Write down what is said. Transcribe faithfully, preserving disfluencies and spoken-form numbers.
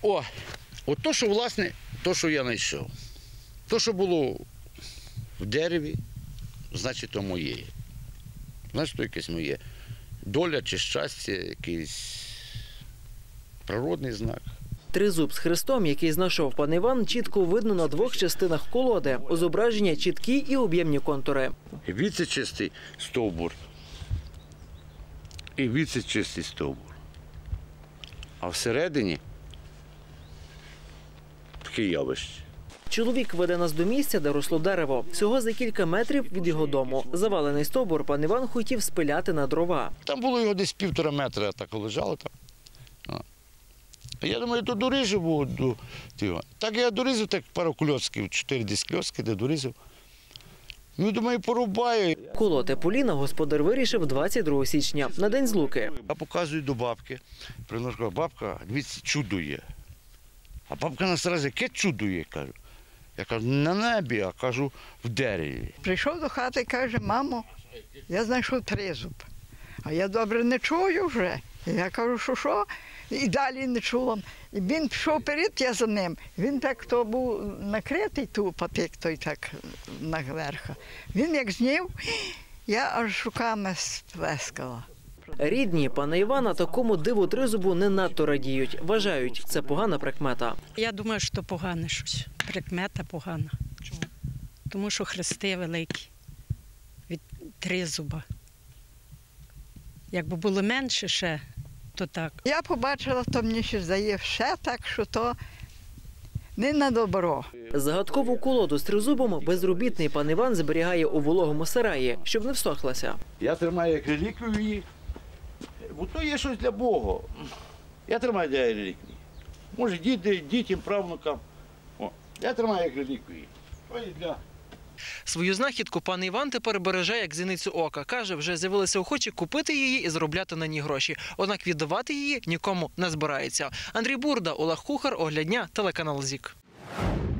О, от то, що, власне, то, що я знайшов. То, що було в дереві, значить, то моє. Значить, то якесь моє. Доля чи щастя, якийсь природний знак. Тризуб з хрестом, який знайшов пан Іван, чітко видно на двох частинах колоди. У зображення чіткі і об'ємні контури. І віце-чистий стовбур, і віце-чистий стовбур. А всередині таке явище. Чоловік веде нас до місця, де росло дерево. Всього за кілька метрів від його дому. Завалений стовбур пан Іван хотів спиляти на дрова. Там було його десь півтора метра, так лежало там. Я думаю, то доріжу буду. Так я дорізав, так пару кльоцків, чотири десь кльоцки, де дорізав. Ну, думаю, порубаю. Колоти поліна господар вирішив двадцять другого січня, на День Злуки. Я показую до бабки. Приношу, бабка, дивіться, чудо є. А бабка на сразу, яке чудо є, кажу. Я кажу, на небі, а кажу, в дереві. Прийшов до хати і каже, мамо, я знайшов тризуб. А я добре не чую вже. Я кажу, що що? І далі не чула. І він пішов вперед, я за ним. Він так то був накритий, ту патик той так наверху. Він як знів, я аж руками сплескала. Рідні пана Івана такому диву тризубу не надто радіють. Вважають, це погана прикмета. Я думаю, що погане щось. Прикмета погана. Чому? Тому що хрести великі від тризуба. Якби було менше ще, то так. Я побачила, то мені ще здає ще так, що то не на добро. Загадкову колоду з тризубом безробітний пан Іван зберігає у вологому сараї, щоб не всохлася. Я тримаю як реліквію її, бо то є щось для Бога. Я тримаю для реліквії. Може, діти, дітям, правнукам. О, я тримаю як реліквію. То є для... Свою знахідку пан Іван тепер береже як зіницю ока. Каже, вже з'явилися охочі купити її і заробляти на ній гроші. Однак віддавати її нікому не збирається. Андрій Бурда, Олег Кухар, Огляд дня, телеканал ЗІК.